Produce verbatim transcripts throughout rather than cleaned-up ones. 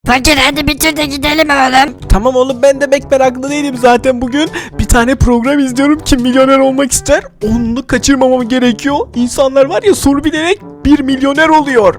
Fakir hadi bitir de gidelim oğlum. Tamam oğlum, ben de pek meraklı değilim zaten bugün. Bir tane program izliyorum. Kim milyoner olmak ister? Onu kaçırmamam gerekiyor. İnsanlar var ya, soru bilerek bir milyoner oluyor.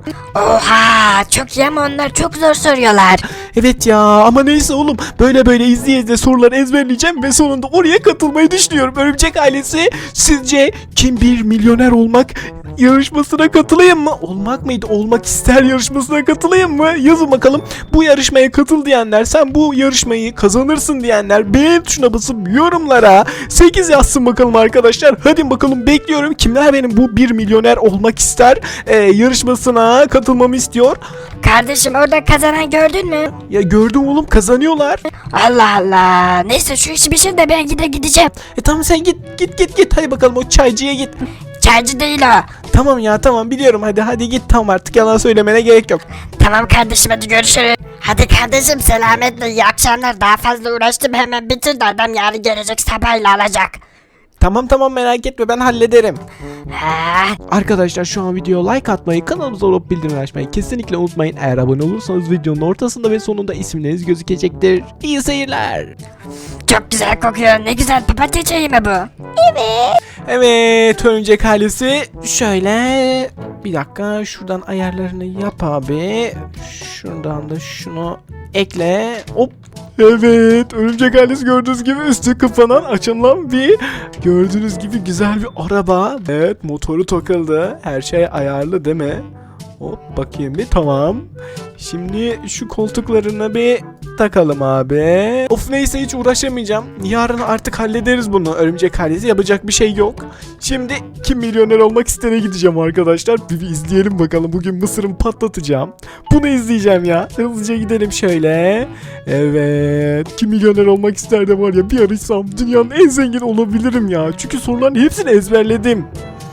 Oha çok iyi ama onlar çok zor soruyorlar. Evet ya, ama neyse oğlum, böyle böyle izleye izleye soruları ezberleyeceğim ve sonunda oraya katılmayı düşünüyorum. Örümcek ailesi, sizce kim bir milyoner olmak yarışmasına katılayım mı? Olmak mıydı? Olmak ister yarışmasına katılayım mı? Yazın bakalım. Bu yarışmaya katıl diyenler, sen bu yarışmayı kazanırsın diyenler beğen tuşuna basıp yorumlara sekiz yazsın bakalım arkadaşlar. Hadi bakalım, bekliyorum. Kimler benim bu bir milyoner olmak ister e, yarışmasına katılmamı istiyor? Kardeşim orada kazanan gördün mü? Ya gördüm oğlum, kazanıyorlar. Allah Allah. Neyse şu işi bitir de ben gide gideceğim. E tamam, sen git git git git. Hadi bakalım, o çaycıya git. Çaycı değil o. Tamam ya, tamam biliyorum, hadi hadi git, tamam, artık yalan söylemene gerek yok. Tamam kardeşim hadi görüşürüz. Hadi kardeşim selametle iyi akşamlar. Daha fazla uğraştım, hemen bitir de adam yarın gelecek sabahıyla alacak. Tamam tamam, merak etme, ben hallederim. Ha. Arkadaşlar şu an videoya like atmayı, kanalımıza olup bildirim açmayı kesinlikle unutmayın. Eğer abone olursanız videonun ortasında ve sonunda isimleriniz gözükecektir. İyi seyirler. Çok güzel kokuyor. Ne güzel papatya çayı mı bu? Evet. Evet örümcek ailesi, şöyle bir dakika, şuradan ayarlarını yap abi. Şuradan da şunu ekle. Hop. Evet örümcek ailesi, gördüğünüz gibi üstü kapanan açılan bir, gördüğünüz gibi güzel bir araba. Evet, motoru takıldı, her şey ayarlı değil mi? Hop bakayım bir, tamam. Şimdi şu koltuklarına bir takalım abi. Of neyse, hiç uğraşamayacağım. Yarın artık hallederiz bunu, örümcek ailesi, yapacak bir şey yok. Şimdi kim milyoner olmak istere gideceğim arkadaşlar. Bir, bir izleyelim bakalım, bugün mısırımı patlatacağım. Bunu izleyeceğim ya. Hızlıca gidelim şöyle. Evet, kim milyoner olmak ister de var ya, bir arasam dünyanın en zengin olabilirim ya. Çünkü soruların hepsini ezberledim.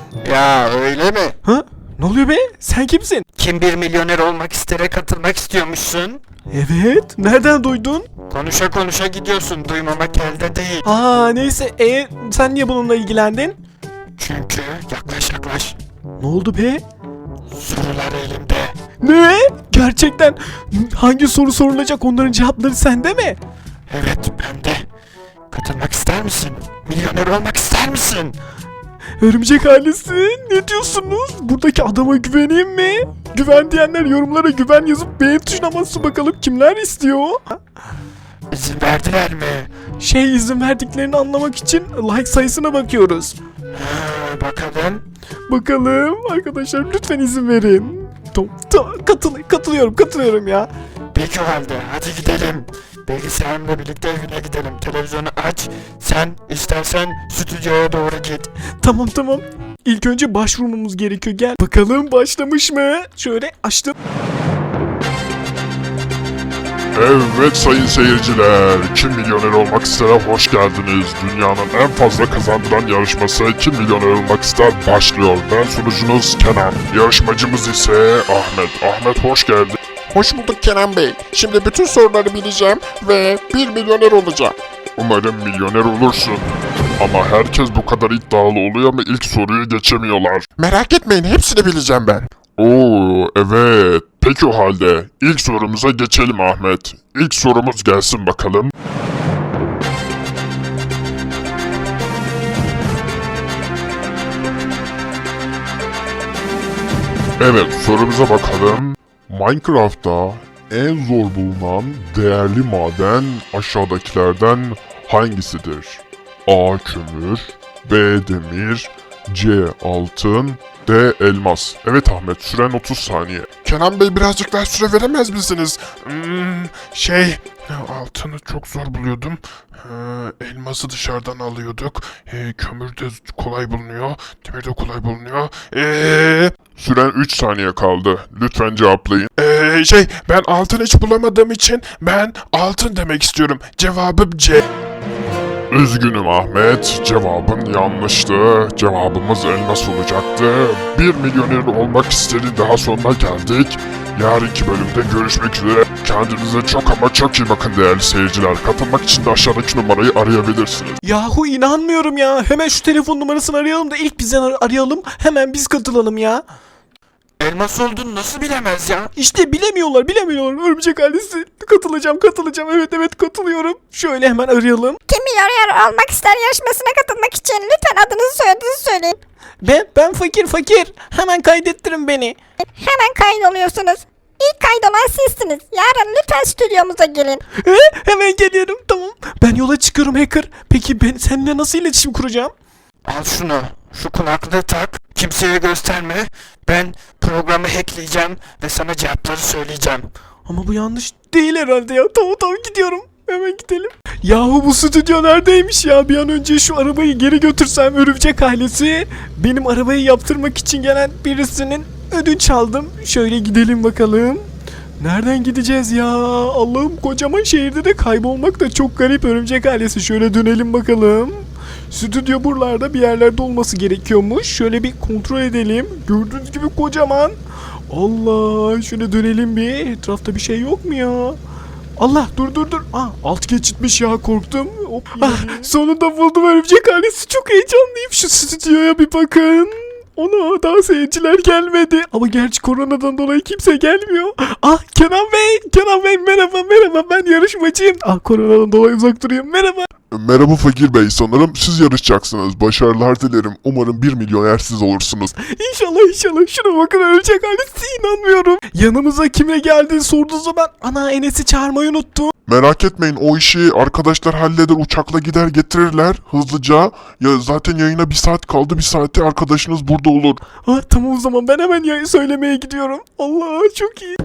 Ya öyle mi? Ha? Ne oluyor be? Sen kimsin? Kim bir milyoner olmak istere katılmak istiyormuşsun? Evet. Nereden duydun? Konuşa konuşa gidiyorsun, duymamak elde değil. Aa neyse. E sen niye bununla ilgilendin? Çünkü yaklaş yaklaş. Ne oldu be? Sorular elimde. Ne? Gerçekten hangi soru sorulacak, onların cevapları sende mi? Evet bende. Katılmak ister misin? Milyoner olmak ister misin? Örümcek ailesi, ne diyorsunuz? Buradaki adama güveneyim mi? Güven diyenler yorumlara güven yazıp beğen tuşuna basın bakalım, kimler istiyor? İzin verdiler mi? Şey, izin verdiklerini anlamak için like sayısına bakıyoruz. Ha, bakalım. Bakalım arkadaşlar, lütfen izin verin. Tamam, tamam, katıl katılıyorum katılıyorum ya. Peki o halde hadi gidelim. Bilgisayarımla birlikte evine gidelim. Televizyonu aç. Sen istersen stüdyoya doğru git. Tamam tamam. İlk önce başvurmamız gerekiyor, gel. Bakalım başlamış mı? Şöyle açtım. Evet sayın seyirciler, Kim Milyoner Olmak İster'e hoş geldiniz. Dünyanın en fazla kazandıran yarışması Kim Milyoner Olmak İster başlıyor. Ben sunucunuz Kenan, yarışmacımız ise Ahmet. Ahmet hoş geldin. Hoş bulduk Kenan Bey. Şimdi bütün soruları bileceğim ve bir milyoner olacağım. Umarım milyoner olursun. Ama herkes bu kadar iddialı oluyor ama ilk soruyu geçemiyorlar. Merak etmeyin, hepsini bileceğim ben. Oo evet, peki o halde ilk sorumuza geçelim Ahmet. İlk sorumuz gelsin bakalım. Evet, sorumuza bakalım. Minecraft'ta en zor bulunan değerli maden aşağıdakilerden hangisidir? A. Kömür, B. Demir, C. Altın, D. Elmas. Evet Ahmet, süren otuz saniye. Kenan Bey birazcık daha süre veremez misiniz? Hmm, şey, altını çok zor buluyordum. Ee, elması dışarıdan alıyorduk. Ee, kömür de kolay bulunuyor. Demir de kolay bulunuyor. Ee, Süren üç saniye kaldı. Lütfen cevaplayın. ee, şey, ben altın hiç bulamadığım için ben altın demek istiyorum. Cevabım C. Üzgünüm Ahmet, cevabın yanlıştı. Cevabımız elmas olacaktı. Bir milyoner olmak istedi, daha sonuna geldik. Yarınki bölümde görüşmek üzere. Kendinize çok ama çok iyi bakın değerli seyirciler. Katılmak için de aşağıdaki numarayı arayabilirsiniz. Yahu inanmıyorum ya. Hemen şu telefon numarasını arayalım da ilk bizden ar- arayalım. Hemen biz katılalım ya. Elmas olduğunu nasıl bilemez ya? İşte bilemiyorlar bilemiyorlar. Örümcek ailesi. Katılacağım katılacağım. Evet evet katılıyorum. Şöyle hemen arayalım. Kim milyoner olmak ister yarışmasına katılmak için lütfen adınızı soyadınızı söyleyin. Ben ben fakir fakir. Hemen kaydettirin beni. Hemen kaydoluyorsunuz. İlk kaydolan sizsiniz. Yarın lütfen stüdyomuza gelin. He, hemen geliyorum tamam. Ben yola çıkıyorum hacker. Peki ben seninle nasıl iletişim kuracağım? Al şunu. Şu kulaklığı tak. Kimseye gösterme. Ben programı hackleyeceğim ve sana cevapları söyleyeceğim. Ama bu yanlış değil herhalde ya. Tamam tamam gidiyorum. Hemen gidelim. Yahu bu stüdyo neredeymiş ya? Bir an önce şu arabayı geri götürsem örümcek ailesi. Benim arabayı yaptırmak için gelen birisinin ödünç aldım. Şöyle gidelim bakalım. Nereden gideceğiz ya? Allah'ım kocaman şehirde de kaybolmak da çok garip örümcek ailesi. Şöyle dönelim bakalım. Stüdyo buralarda bir yerlerde olması gerekiyormuş. Şöyle bir kontrol edelim. Gördüğünüz gibi kocaman. Allah şöyle dönelim bir. Etrafta bir şey yok mu ya? Allah dur dur dur. Aa, alt geçitmiş ya korktum. Hop, ah, sonunda buldum örümcek ailesi. Çok heyecanlıyım. Şu stüdyoya bir bakın. Ona daha seyirciler gelmedi. Ama gerçi koronadan dolayı kimse gelmiyor. Ah Kenan Bey. Kenan Bey merhaba merhaba. Ben yarışmacıyım. Ah koronadan dolayı uzak duruyorum. Merhaba. Merhaba Fakir Bey, sanırım siz yarışacaksınız. Başarılar dilerim. Umarım bir milyoner siz olursunuz. İnşallah inşallah. Şuna bakın örümcek ailesi inanmıyorum. Yanımıza kimle geldiğini sorduğu zaman ana Enes'i çağırmayı unuttum. Merak etmeyin, o işi arkadaşlar halleder, uçakla gider getirirler hızlıca. Ya zaten yayına bir saat kaldı, bir saate arkadaşınız burada olur. Ah tamam o zaman ben hemen ya söylemeye gidiyorum. Allah çok iyi.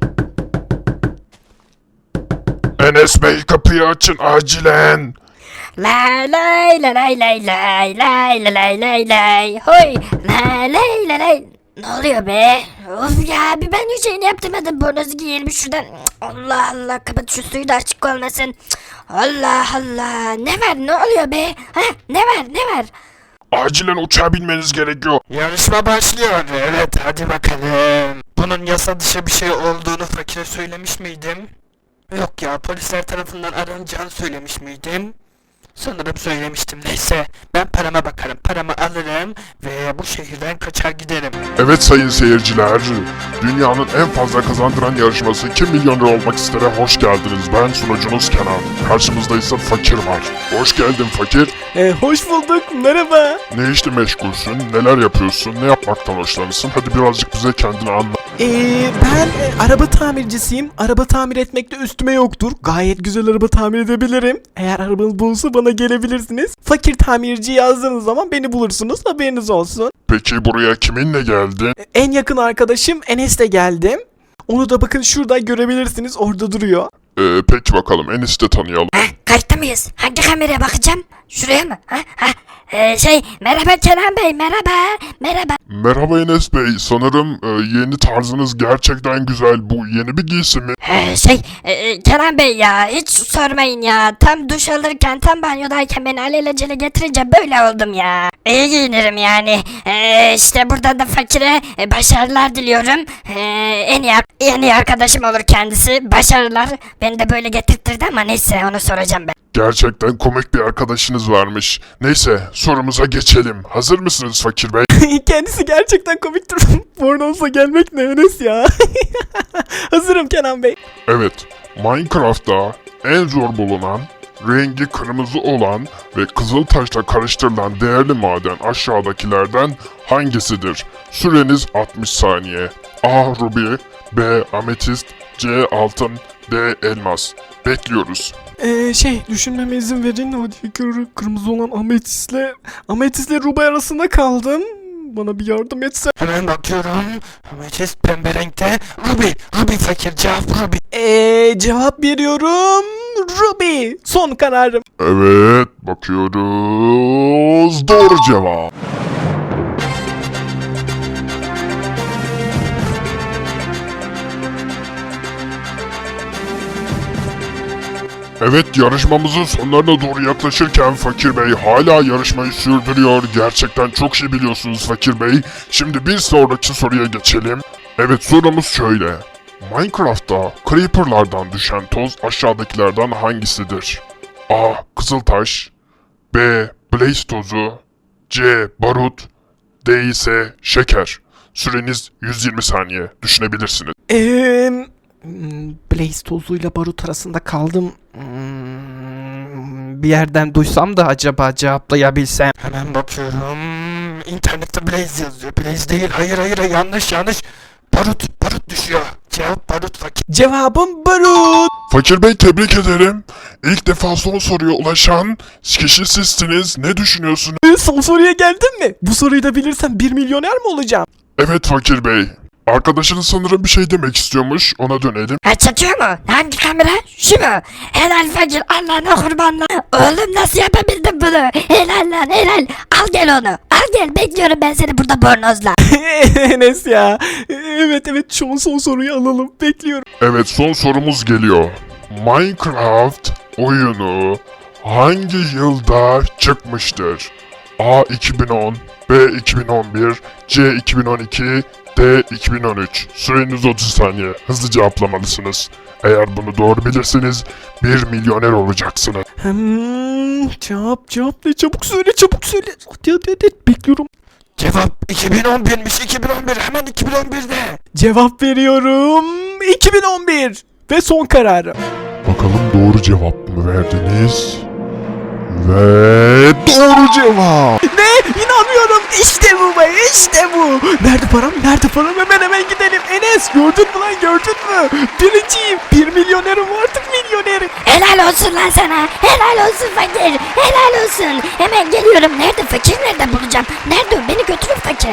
Enes Bey kapıyı açın acilen. Lay lay lay lay lay lay lay lay lay lay lay hoy lay lay lay lay. Ne oluyor be? Of ya bir ben hiç şeyini yaptırmadım. Bornozu giyelim şuradan. Allah Allah kapat şu suyu da açık olmasın. Allah Allah ne var ne oluyor be? Ha ne var ne var? Acilen uçağa binmeniz gerekiyor. Yarışma başlıyor. Evet hadi bakalım. Bunun yasa dışı bir şey olduğunu fakire söylemiş miydim? Yok ya, polisler tarafından aranacağını söylemiş miydim? Sanırım söylemiştim. Neyse ben parama bakarım. Paramı alırım ve bu şehirden kaçar giderim. Evet sayın seyirciler, dünyanın en fazla kazandıran yarışması Kim Milyoner Olmak İster'e hoş geldiniz. Ben sunucunuz Kenan. Karşımızda ise Fakir var. Hoş geldin Fakir. Ee, hoş bulduk merhaba. Ne işle meşgulsün, neler yapıyorsun, ne yapmaktan hoşlanırsın? Hadi birazcık bize kendini anlat. Ee, ben e, araba tamircisiyim. Araba tamir etmekte üstüme yoktur. Gayet güzel araba tamir edebilirim. Eğer arabanız bulursa bana gelebilirsiniz. Fakir tamirci yazdığınız zaman beni bulursunuz. Haberiniz olsun. Peki buraya kiminle geldin? E, En yakın arkadaşım Enes'le geldim. Onu da bakın şurada görebilirsiniz. Orada duruyor. Ee, peki bakalım, Enes'i de tanıyalım. Ha kayıtta mıyız? Hangi kameraya bakacağım? Şuraya mı? Ha ha. Ee, şey merhaba Kenan Bey merhaba merhaba. Merhaba Enes Bey, sanırım e, yeni tarzınız gerçekten güzel. Bu yeni bir giysi mi? Ee, şey e, Kenan Bey ya hiç sormayın ya. Tam duş alırken tam banyodayken beni alelacele getirince böyle oldum ya. İyi giyinirim yani. Ee, işte buradan da fakire e, başarılar diliyorum. Ee, en iyi, en iyi arkadaşım olur kendisi. Başarılar. Beni de böyle getirtirdi ama neyse onu soracağım ben. Gerçekten komik bir arkadaşınız varmış. Neyse, sorumuza geçelim. Hazır mısınız Fakir Bey? Kendisi gerçekten komiktir. Bornozla gelmek ne Enes ya. Hazırım Kenan Bey. Evet, Minecraft'ta en zor bulunan, rengi kırmızı olan ve kızıl taşla karıştırılan değerli maden aşağıdakilerden hangisidir? Süreniz altmış saniye. A. Ruby, B. Ametist, C. Altın, D. Elmas. Bekliyoruz. Ee, şey düşünmeme izin verin. Hadi kır, kırmızı olan ametistle ametistle Ruby arasında kaldım. Bana bir yardım etse. Hemen bakıyorum. Ametist pembe renkte. Ruby. Ruby fakir, cevap Ruby. Ee, cevap veriyorum. Ruby. Son kararım. Evet, bakıyoruz. Doğru cevap. Evet, yarışmamızın sonlarına doğru yaklaşırken Fakir Bey hala yarışmayı sürdürüyor. Gerçekten çok iyi biliyorsunuz Fakir Bey. Şimdi bir sonraki soruya geçelim. Evet, sorumuz şöyle. Minecraft'ta Creeper'lardan düşen toz aşağıdakilerden hangisidir? A. Kızıltaş, B. Blaze tozu, C. Barut, D ise şeker. Süreniz yüz yirmi saniye. Düşünebilirsiniz. Eee... hmm, Blaze tozuyla barut arasında kaldım. Hmm, bir yerden duysam da acaba cevaplayabilsem. Hemen bakıyorum. İnternette Blaze yazıyor. Blaze değil. Hayır hayır yanlış yanlış. Barut barut düşüyor. Cevap barut fakir. Cevabım barut. Fakir Bey tebrik ederim. İlk defa son soruya ulaşan kişi sizsiniz. Ne düşünüyorsunuz? Ee, Son soruya geldin mi? Bu soruyu da bilirsem bir milyoner mi olacağım? Evet Fakir Bey. Arkadaşınız sanırım bir şey demek istiyormuş. Ona dönelim. Ha çekiyor mu? Hangi kamera? Şu mu? Helal fakir Allah'ına kurbanla. Oğlum nasıl yapabildin bunu? Helal lan helal. Al gel onu. Al gel bekliyorum ben seni burada bornozla. Enes ya. Evet evet şu an son soruyu alalım. Bekliyorum. Evet son sorumuz geliyor. Minecraft oyunu hangi yılda çıkmıştır? A iki bin on, B iki bin on bir, C iki bin on iki, D iki bin on üç. Süreniz otuz saniye. Hızlı cevaplamalısınız. Eğer bunu doğru bilirseniz bir milyoner olacaksınız. Hmm, cevap cevap ne? Çabuk söyle çabuk söyle. Hadi hadi hadi bekliyorum. Cevap iki bin on birmiş. iki bin on bir. Hemen iki bin on birde. Cevap veriyorum. iki bin on bir. Ve son kararım. Bakalım doğru cevap mı verdiniz? Ve doğru cevap. Ne? İnanmıyorum. İşte bu be. İşte bu. Nerede param? Nerede param? Hemen hemen gidelim. Enes gördün mü lan gördün mü? Birinciyim. Bir milyonerim artık milyonerim. Helal olsun lan sana. Helal olsun fakir. Helal olsun. Hemen geliyorum. Nerede fakir nerede bulacağım? Nerede o? Beni götürün fakir.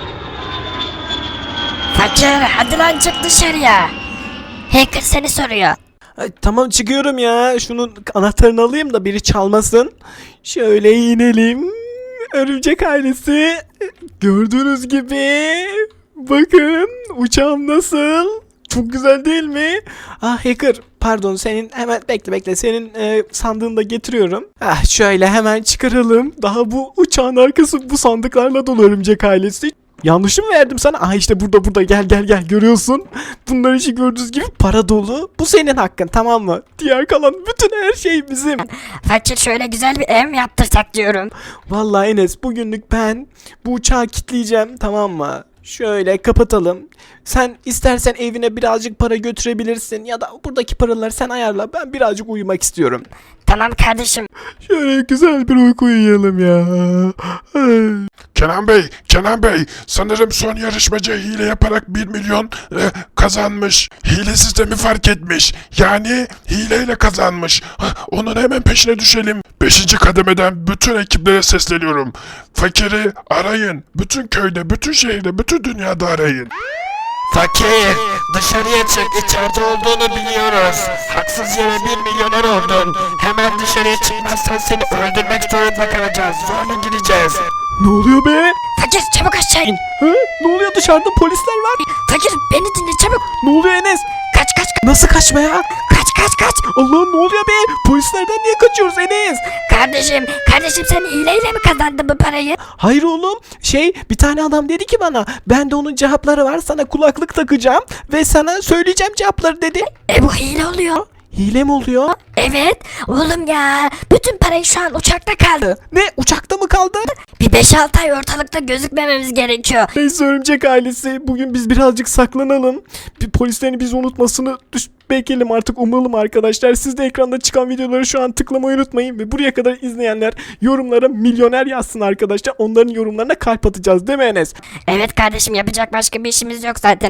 Fakir hadi lan çık dışarıya. Hacker seni soruyor. Ay, tamam çıkıyorum ya. Şunun anahtarını alayım da biri çalmasın. Şöyle inelim. Örümcek ailesi. Gördüğünüz gibi. Bakın uçağım nasıl? Çok güzel değil mi? Ah hacker pardon senin hemen bekle bekle senin e, sandığını da getiriyorum. Ah şöyle hemen çıkaralım. Daha bu uçağın arkası bu sandıklarla dolu örümcek ailesi. Yanlış mı verdim sana? Ah işte burada burada gel gel gel görüyorsun. Bunlar için gördüğünüz gibi para dolu. Bu senin hakkın tamam mı? Diğer kalan bütün her şey bizim. Fakir şöyle güzel bir ev mi yaptırsak diyorum. Vallahi Enes bugünlük ben bu uçağı kilitleyeceğim tamam mı? Şöyle kapatalım. Sen istersen evine birazcık para götürebilirsin ya da buradaki paraları sen ayarla. Ben birazcık uyumak istiyorum. Tamam kardeşim. Şöyle güzel bir uyku uyuyalım ya. Ay. Kenan Bey, Kenan Bey, sanırım son yarışmacı hile yaparak bir milyon e, kazanmış. Hile sistemi fark etmiş. Yani hileyle kazanmış. Hah, onun hemen peşine düşelim. Beşinci kademeden bütün ekiplere sesleniyorum. Fakiri arayın. Bütün köyde, bütün şehirde, bütün dünyada arayın. Fakir dışarıya çık. İçeride olduğunu biliyoruz. Haksız yere bir milyoner oldun. Hemen dışarıya çıkmazsan seni öldürmek zorunda kalacağız. Zorla gireceğiz. Ne oluyor be? Fakir çabuk aşağı in. Ha? Ne oluyor dışarıda polisler var. Fakir beni dinle çabuk. Ne oluyor Enes? Kaç kaç kaç. Nasıl kaçma ya? Kaç kaç kaç. Allah'ım ne oluyor be? Polislerden niye kaçıyoruz Enes? Kardeşim kardeşim sen hileyle mi kazandın bu parayı? Hayır oğlum. Şey bir tane adam dedi ki bana ben de onun cevapları var sana kulaklık takacağım ve sana söyleyeceğim cevapları dedi. E bu hile oluyor. Hile mi oluyor? Evet oğlum ya bütün parayı şu an uçakta kaldı. Ne uçakta mı kaldı? Bir beş altı ay ortalıkta gözükmememiz gerekiyor. Neyse örümcek ailesi bugün biz birazcık saklanalım. Bir polislerin bizi unutmasını düş bekleyelim artık umalım arkadaşlar. Siz de ekranda çıkan videoları şu an tıklamayı unutmayın ve buraya kadar izleyenler yorumlara milyoner yazsın arkadaşlar. Onların yorumlarına kalp atacağız değil mi Enes? Evet kardeşim yapacak başka bir işimiz yok zaten.